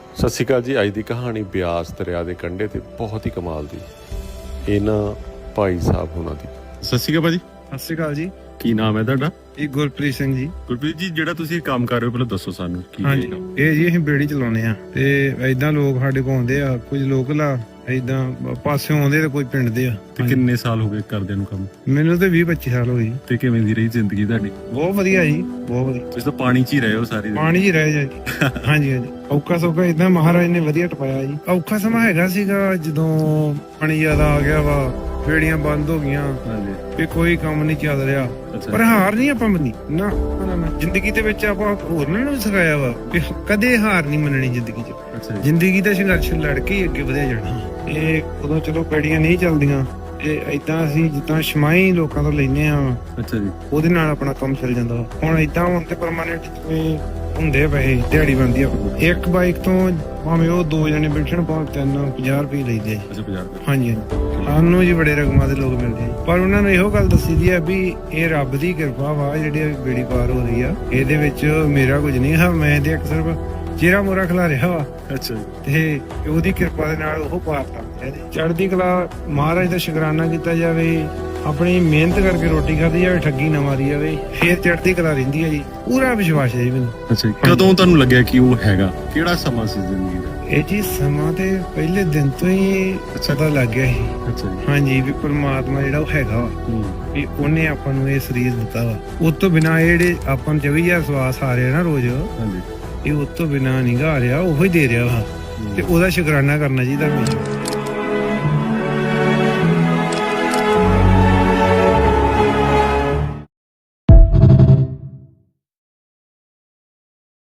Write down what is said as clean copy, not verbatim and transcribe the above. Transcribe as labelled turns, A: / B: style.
A: ਸਤਿ ਸ਼੍ਰੀ ਅਕਾਲ ਜੀ। ਅੱਜ ਦੀ ਕਹਾਣੀ ਬਿਆਸ ਦਰਿਆ ਦੇ ਕੰਢੇ ਤੇ ਬਹੁਤ ਹੀ ਕਮਾਲ ਦੀ ਇਹਨਾਂ ਭਾਈ ਸਾਹਿਬ ਹੋਣਾ ਦੀ।
B: ਸਤਿ ਸ਼੍ਰੀ ਅਕਾਲ ਭਾਜੀ।
C: ਸਤਿ ਸ਼੍ਰੀ ਅਕਾਲ ਜੀ।
B: ਕੀ ਨਾਮ ਹੈ ਤੁਹਾਡਾ?
C: ਇਹ ਗੁਰਪ੍ਰੀਤ ਸਿੰਘ ਜੀ।
B: ਗੁਰਪ੍ਰੀਤ ਜੀ, ਜਿਹੜਾ ਤੁਸੀਂ ਕੰਮ ਕਰ ਰਹੇ ਹੋ ਪਹਿਲਾਂ ਦੱਸੋ ਸਾਨੂੰ ਕੀ
C: ਹਾਂਜੀ,
B: ਹੈਗਾ?
C: ਇਹ ਜੀ ਅਸੀਂ ਬੇੜੀ ਚਲਾਉਂਦੇ ਆ ਤੇ ਏਦਾਂ ਲੋਕ ਸਾਡੇ ਕੋਲ ਆਉਂਦੇ ਆ, ਕੁਝ ਲੋਕਲ ਆ, ਏਦਾਂ ਪਾਸਿਓਂ ਆਉਂਦੇ ਤੇ ਕੋਈ ਪਿੰਡ ਦੇ ਆ।
B: ਤੇ ਕਿੰਨੇ ਸਾਲ ਹੋ ਗਏ ਕਰਦੇ ਨੂੰ ਕੰਮ?
C: ਮੈਨੂੰ ਤੇ 20-25 ਸਾਲ ਹੋ ਗਏ ਜੀ।
B: ਤੇ ਕਿਵੇਂ ਦੀ ਰਹੀ ਜ਼ਿੰਦਗੀ ਤੁਹਾਡੀ?
C: ਬਹੁਤ ਵਧੀਆ ਜੀ, ਬਹੁਤ ਵਧੀਆ।
B: ਤੁਸੀਂ ਤਾਂ ਪਾਣੀ 'ਚ ਹੀ ਰਹੇ ਹੋ ਸਾਰੀ ਜ਼ਿੰਦਗੀ।
C: ਪਾਣੀ 'ਚ ਹੀ ਰਹਿ ਜਾ ਜੀ। ਹਾਂਜੀ ਹਾਂਜੀ, ਔਖਾ ਸੌਖਾ ਏਦਾਂ ਮਹਾਰਾਜ ਨੇ ਵਧੀਆ ਟਪਾਇਆ ਜੀ। ਔਖਾ ਸਮਾਂ ਹੈਗਾ ਸੀਗਾ ਜਦੋਂ ਪਾਣੀ ਜ਼ਿਆਦਾ ਆ ਗਿਆ ਵਾ, ਬੇੜੀਆਂ ਬੰਦ ਹੋ ਗਈਆਂ
B: ਹਾਂਜੀ।
C: ਵੀ ਕੋਈ ਕੰਮ ਨਹੀਂ ਚੱਲ ਰਿਹਾ।
B: ਅੱਛਾ।
C: ਪਰ ਹਾਰ ਨਹੀਂ ਆਪਾਂ ਮੰਨੀ ਨਾ। ਜ਼ਿੰਦਗੀ ਦੇ ਵਿੱਚ ਆਪਾਂ ਹੋਰਨਾਂ ਨੂੰ ਸਿਖਾਇਆ ਵਾ ਵੀ ਕਦੇ ਹਾਰ ਨਹੀਂ ਮੰਨਣੀ ਜ਼ਿੰਦਗੀ 'ਚ।
B: ਅੱਛਾ ਜੀ।
C: ਜ਼ਿੰਦਗੀ ਦਾ ਸੰਘਰਸ਼ ਲੜ ਕੇ ਹੀ ਅੱਗੇ ਵਧਿਆ ਜਾਣਾ। ਇਹ ਉਦੋਂ ਚਲੋ ਬੇੜੀਆਂ ਨਹੀਂ ਚੱਲਦੀਆਂ, ਇਹ ਏਦਾਂ ਅਸੀਂ ਜਿੱਦਾਂ ਛਮਾਈ ਲੋਕਾਂ ਤੋਂ ਲੈਨੇ ਆ,
B: ਅੱਛਾ ਜੀ।
C: ਉਹਦੇ ਨਾਲ ਆਪਣਾ ਕੰਮ ਚੱਲ ਜਾਂਦਾ। ਹੁਣ ਏਦਾਂ ਹੁਣ ਤੇ ਪਰਮਾਨੈਂਟ ਜਿਵੇਂ ਹੁੰਦੇ ਪਏ ਦਿਹਾੜੀ ਬਣਦੀ ਆ। ਇੱਕ ਬਾਈਕ ਤੋਂ ਭਾਵੇਂ ਉਹ 2 ਜਣੇ ਬੈਠਣ ਭਾਵੇਂ 350 ਰੁਪਏ ਲੈਂਦੇ ਆ।
B: ਅੱਛਾ, 50 ਰੁਪਏ।
C: ਹਾਂਜੀ ਹਾਂਜੀ, ਸਾਨੂੰ ਜੀ ਬੜੇ ਰਕਮਾਂ ਦੇ ਲੋਕ ਮਿਲਦੇ ਆ, ਪਰ ਉਹਨਾਂ ਨੂੰ ਇਹੋ ਗੱਲ ਦੱਸੀ ਦੀ ਆ ਵੀ ਇਹ ਰੱਬ ਦੀ ਕਿਰਪਾ ਵਾ ਜਿਹੜੀ ਬੇੜੀ ਪਾਰ ਹੋ ਰਹੀ ਆ। ਇਹਦੇ ਵਿੱਚ ਮੇਰਾ ਕੁਝ ਨਹੀਂ ਹੈ, ਮੈਂ ਤੇ ਸਿਰਫ ਚਿਹਰਾ ਮੋਰਾ ਖਿਲਾ ਰਿਹਾ ਵਾ।
B: ਅੱਛਾ ਜੀ।
C: ਤੇ ਉਹਦੀ ਕਿਰਪਾ ਦੇ ਨਾਲ ਉਹ ਪਾਰ ਕਰਦੇ। ਚੜ੍ਹਦੀ ਕਲਾ ਮਹਾਰਾਜ ਦਾ ਸ਼ੁਕਰਾਨਾ ਕੀਤਾ ਜਾਵੇ, ਆਪਣੀ ਮਿਹਨਤ ਕਰਕੇ ਰੋਟੀ ਖਾਧੀ ਜਾਵੇ, ਠੱਗੀ ਨਾ ਮਾਰੀ ਜਾਵੇ, ਫੇਰ ਚੜ੍ਹਦੀ ਕਲਾ ਰਹਿੰਦੀ ਹੈ ਜੀ। ਪੂਰਾ ਵਿਸ਼ਵਾਸ ਹੈ ਜੀ ਮੈਨੂੰ।
B: ਅੱਛਾ ਜੀ। ਕਦੋਂ ਤੁਹਾਨੂੰ ਲੱਗਿਆ ਕਿ ਉਹ ਹੈਗਾ? ਕਿਹੜਾ ਸਮਾਂ ਸੀ ਜ਼ਿੰਦਗੀ ਦਾ?
C: ਇਹ ਜੀ ਸਮਾਂ ਤੇ ਪਹਿਲੇ ਦਿਨ ਤੋਂ ਹੀ ਪਤਾ ਲੱਗ ਗਿਆ ਸੀ।
B: ਅੱਛਾ ਜੀ।
C: ਹਾਂਜੀ, ਵੀ ਪਰਮਾਤਮਾ ਜਿਹੜਾ ਉਹ ਹੈਗਾ ਵਾ, ਵੀ ਉਹਨੇ ਆਪਾਂ ਨੂੰ ਇਹ ਸਰੀਰ ਦਿੱਤਾ ਵਾ। ਉਸ ਤੋਂ ਬਿਨਾਂ ਇਹ ਜਿਹੜੇ ਆਪਾਂ ਨੂੰ 24,000 ਸਵਾਸ ਆ ਰਹੇ ਨਾ ਰੋਜ਼,
B: ਹਾਂਜੀ,
C: ਇਹ ਉਸ ਤੋਂ ਬਿਨਾਂ ਨਹੀਂ ਗਾ ਰਿਹਾ, ਉਹੀ ਦੇ ਰਿਹਾ ਵਾ। ਤੇ ਉਹਦਾ ਸ਼ੁਕਰਾਨਾ ਕਰਨਾ ਚਾਹੀਦਾ ਹਮੇਸ਼ਾ।